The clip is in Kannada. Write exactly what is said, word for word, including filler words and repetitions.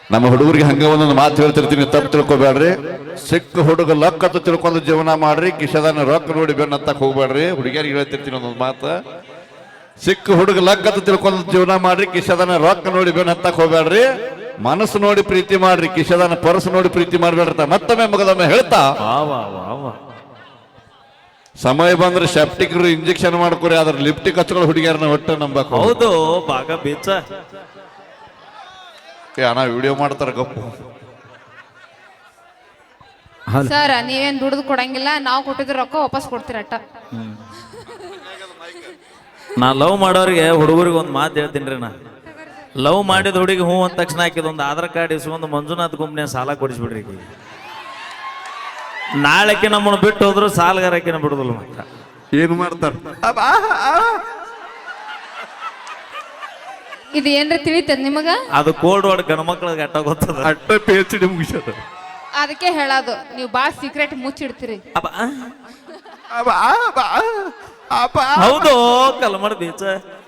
ನಮ್ಮ ಹುಡುಗರಿಗೆ ಹಂಗ ಒಂದೊಂದು ಮಾತು ಹೇಳ್ತಿರ್ತೀನಿ, ತಪ್ಪು ತಿಳ್ಕೊಬೇಡ್ರಿ. ಸಿಕ್ಕ ಹುಡುಗ ಲಕ್ಕತ್ತು ತಿಳ್ಕೊಂಡು ಜೀವನ ಮಾಡ್ರಿ, ಕಿಶದಾನ ರೊಕ್ಕ ನೋಡಿ ಬೆನ್ನತ್ತಕ್ ಹೋಗ್ಬೇಡ್ರಿ. ಹುಡುಗಿಯರಿಗೆ ಹೇಳ್ತಿರ್ತೀನಿ ಒಂದೊಂದು ಮಾತು, ಸಿಕ್ಕ ಹುಡುಗ ಲಕ್ಕತ್ತು ತಿಳ್ಕೊಂಡು ಜೀವನ ಮಾಡ್ರಿ, ಕಿಶದಾನ ರೊಕ್ಕ ನೋಡಿ ಬೆನ್ನತ್ತಕ್ ಹೋಗ್ಬೇಡ್ರಿ. ಮನಸ್ಸು ನೋಡಿ ಪ್ರೀತಿ ಮಾಡ್ರಿ, ಕಿಶದಾನ ಪರಸು ನೋಡಿ ಪ್ರೀತಿ ಮಾಡ್ಬೇಡ್ರಿ. ಮತ್ತೊಮ್ಮೆ ಮಗದೊಮ್ಮೆ ಹೇಳ್ತಾ ಸಮಯ ಬಂದ್ರೆ ಸೆಪ್ಟಿಕ್ರು ಇಂಜೆಕ್ಷನ್ ಮಾಡ್ಕೊರಿ, ಅದ್ರ ಲಿಪ್ಟಿಕ್ ಹಚ್ಕೊಳ್ಳೋ ಹುಡುಗಿಯರನ್ನ ಒಟ್ಟು ನಂಬಕ್. ಹೌದು ಬಾಗ ಬೀಚ ಅಣ್ಣ ವಿಡಿಯೋ ಮಾಡ್ತಾರ ಗಪ್ಪು. ಸರ್ ನೀವೇನ್ ದುಡ್ದು ಕೊಡಂಗಿಲ್ಲ, ನಾವು ಕೊಟ್ಟಿದ್ರ ರೊಕ್ಕ ವಾಪಸ್ ಕೊಡ್ತೀರಟ್ಟ. ನಾ ಲವ್ ಮಾಡೋರಿಗೆ ಹುಡುಗರಿಗೆ ಒಂದು ಮಾತು ಹೇಳ್ತೀನಿ. ನಾ ಲವ್ ಮಾಡಿದ ಹುಡುಗಿ ಹೂ ಅಂದ ತಕ್ಷಣ ಹಾಕಿದ ಒಂದು ಆಧಾರ್ ಕಾರ್ಡ್ ಇಸ್ಕೊಂಡು ಮಂಜುನಾಥ್ ಗುಂಪ್ನೆ ಸಾಲ ಕೊಡಿಸ್ಬಿಡ್ರಿ. ನಾಳೆಕ್ಕೆ ನಮ್ಮನ್ನು ಬಿಟ್ಟು ಹೋದ್ರು ಸಾಲಗಾರಕ್ಕಿನ ಬಿಡುದಿಲ್ಲ. ಮಾತ್ರ ಏನು ಮಾಡ್ತಾರ ಇದು ಏನ್ರಿ ತಿಳಿತದ ನಿಮಗ? ಅದು ಕೋಲ್ಡ್ ವರ್ಡ್ ಗಣಮಕ್ಳಿಗೆ ಅಟ್ಟ ಗೊತ್ತದ, ಅಟ್ಟ ಪಿ ಎಚ್ ಡಿ ಮುಗಿಸದ. ಅದಕ್ಕೆ ಹೇಳೋದು ನೀವು ಬಾಳ ಸೀಕ್ರೆಟ್ ಮುಚ್ಚಿಡ್ತೀರಿ. ಹೌದು ಕಲ್ಮಡ್ ಬೀಚ